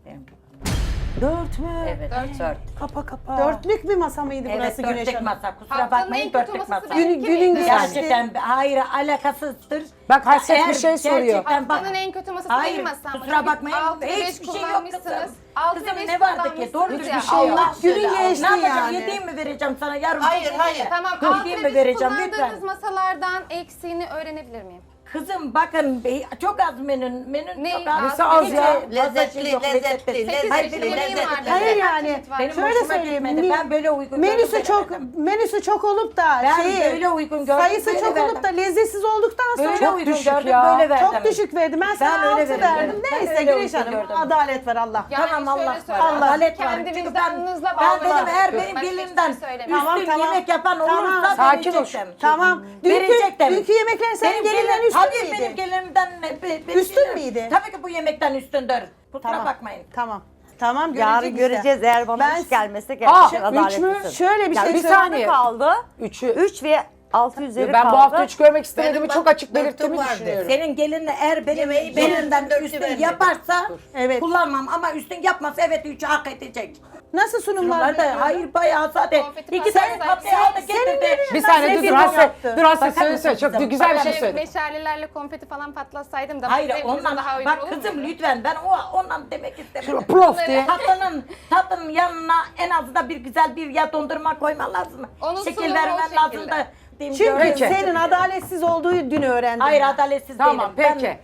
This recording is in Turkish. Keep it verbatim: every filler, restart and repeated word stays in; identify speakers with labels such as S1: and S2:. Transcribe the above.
S1: Benim.
S2: Dört mü?
S1: Evet, dört.
S2: Kapa kapa.
S3: Dörtlük bir masa mıydı
S1: Evet,
S3: burası Güneş
S1: dörtlük
S3: Hanım?
S1: masa. Kusura
S4: Haftanın en
S1: bakmayın,
S4: kötü
S1: dörtlük
S4: masası
S1: masa.
S4: değil.
S3: Günün, günün güzeldi.
S1: Gerçekten hayır alakasızdır.
S2: Bak, Hasret
S1: Eğer
S2: bir şey soruyor.
S1: gerçekten bak-
S4: Haftanın en kötü masası
S1: Hayır,
S4: benim masam.
S1: kusura bakmayın,
S4: Altı ve beş
S1: hiçbir şey yok
S4: kullanmışsınız.
S1: kızım.
S4: Altı ve
S1: Kızım
S4: beş
S1: ne vardı ki?
S4: kullanmışsınız
S1: Doğru
S4: ya.
S1: düzgün bir şey yok.
S4: Allah
S3: Günün
S4: söyle,
S3: geçti
S1: Ne yapacağım?
S3: yani.
S1: Yediğimi mi vereceğim sana yarın?
S5: Hayır, hayır.
S4: Tamam,
S1: Dur,
S4: altı
S1: değil
S4: ve
S1: mi
S4: beş
S1: vereceğim,
S4: kullandığınız
S1: lütfen.
S4: masalardan eksiğini öğrenebilir miyim?
S1: Kızım bakın be- çok az menün. Menün
S4: Ne?
S1: çok az.
S4: Nesi
S2: az
S1: Hiç
S2: ya?
S1: fazla şey
S5: Lezzetli,
S1: yok,
S5: lezzetli,
S4: Sekiz
S5: lezzetli,
S1: Hayır,
S4: çeşit
S1: benim
S4: yemeğim
S5: lezzetli.
S4: vardı.
S3: Hayır
S4: Kaç
S3: yani.
S4: çeşit var?
S1: Benim
S3: Şöyle
S1: hoşuma
S3: söyleyeyim.
S1: gitmedi.
S3: mi-
S1: Ben böyle uygun
S3: menüsü
S1: gördüm,
S3: çok
S1: böyle verdim.
S3: menüsü çok olup da
S1: Ben
S3: şeyi
S1: böyle uygun gördüm,
S3: sayısı
S1: böyle
S3: çok
S1: verdim.
S3: olup da lezzetsiz olduktan sonra
S1: Böyle
S2: Çok
S1: uygun
S2: düşük
S1: gördüm,
S2: ya.
S1: böyle verdim.
S3: çok düşük verdim. Ben sana
S1: Ben öyle
S3: altı
S1: veririm,
S3: verdim.
S1: evet. Ben
S3: Neyse
S1: öyle
S3: Güneş
S1: uygun
S3: Hanım
S1: gördüm.
S3: adalet ver Allah.
S4: Yani
S1: Tamam,
S4: şöyle
S1: Allah
S4: söyleyeyim.
S1: var. Adalet var.
S4: Kendi
S1: Çünkü
S4: vicdanınızla
S1: ben, ben
S4: bağlı.
S1: dedim eğer
S4: Başka
S1: benim
S4: hiçbir şey
S1: gelimden
S4: söylemiyorum.
S1: üstün
S3: Tamam, tamam.
S1: yemek yapan
S3: Tamam.
S1: olursa
S2: Sakin ol.
S1: verecektim.
S3: Tamam. Dünkü,
S1: Verecektim.
S3: dünkü yemekler senin
S1: Benim
S3: gelinden
S1: gelin-
S3: üstün
S1: tabii
S3: müydü?
S1: benim gelinimden ne- be- benim
S3: Üstün
S1: gelinim-
S3: müydü?
S1: Tabii ki bu yemekten üstündür. Kusura
S3: Tamam.
S1: bakmayın.
S3: Tamam. Tamam
S6: Yarın
S3: görecek işte.
S6: göreceğiz eğer bana
S3: Ben-
S6: hiç gelmezse
S2: Aa,
S6: gerçekten
S2: üç mü?
S6: adaletlisin.
S3: Şöyle bir
S6: Yani
S3: şey
S6: bir
S3: söyleyeyim.
S2: saniye.
S6: kaldı.
S2: Üçü.
S6: Üç ve altı üzeri
S2: Ben
S6: kaldı.
S2: bu hafta hiç görmek istemediğimi
S5: Benim
S2: çok
S5: bak,
S2: açık belirttiğimi
S5: dörtlük vardı.
S2: düşünüyorum.
S1: Senin gelinin eğer benim
S5: Yemeği
S1: benimden
S5: beğendim, dörtlü
S1: üstün
S5: vermedim.
S1: yaparsa
S3: Evet.
S1: kullanmam ama üstün yapmazsa evet üçü hak edecek.
S3: Nasıl sunumlar
S1: Bunlar da
S3: yapıyordun?
S1: hayır bayağı sade.
S4: Konfeti
S1: İki
S4: pastayı
S1: tane tatlı
S4: sen-
S1: aldı getirdi.
S2: Bir saniye dur dur
S3: Sen
S2: Hasret.
S3: yaptın.
S2: Dur Hasret
S1: Bakar
S2: söyle
S1: mısın
S2: söyle. Çok
S1: kızım?
S2: güzel bir
S1: Bakar
S2: şey
S1: mısın?
S2: söyle.
S4: Meşalelerle konfeti falan patlatsaydım da
S1: Hayır
S4: zevkinize
S1: ondan
S4: daha uygun
S1: bak
S4: olur
S1: kızım
S4: muydu?
S1: lütfen ben o ondan demek istemedim.
S2: Prof diye.
S1: Tatlının tatlının yanına en azından bir güzel bir ya dondurma koyman lazım.
S4: Onun
S1: Şekil
S4: sunumu
S1: vermen
S4: o
S1: lazım
S4: şekilde.
S1: da. diyeyim,
S3: Çünkü
S1: gördün mü?
S2: Peki.
S3: senin adaletsiz olduğu dün öğrendim.
S1: Hayır adaletsiz
S2: Tamam
S1: değilim.
S2: peki.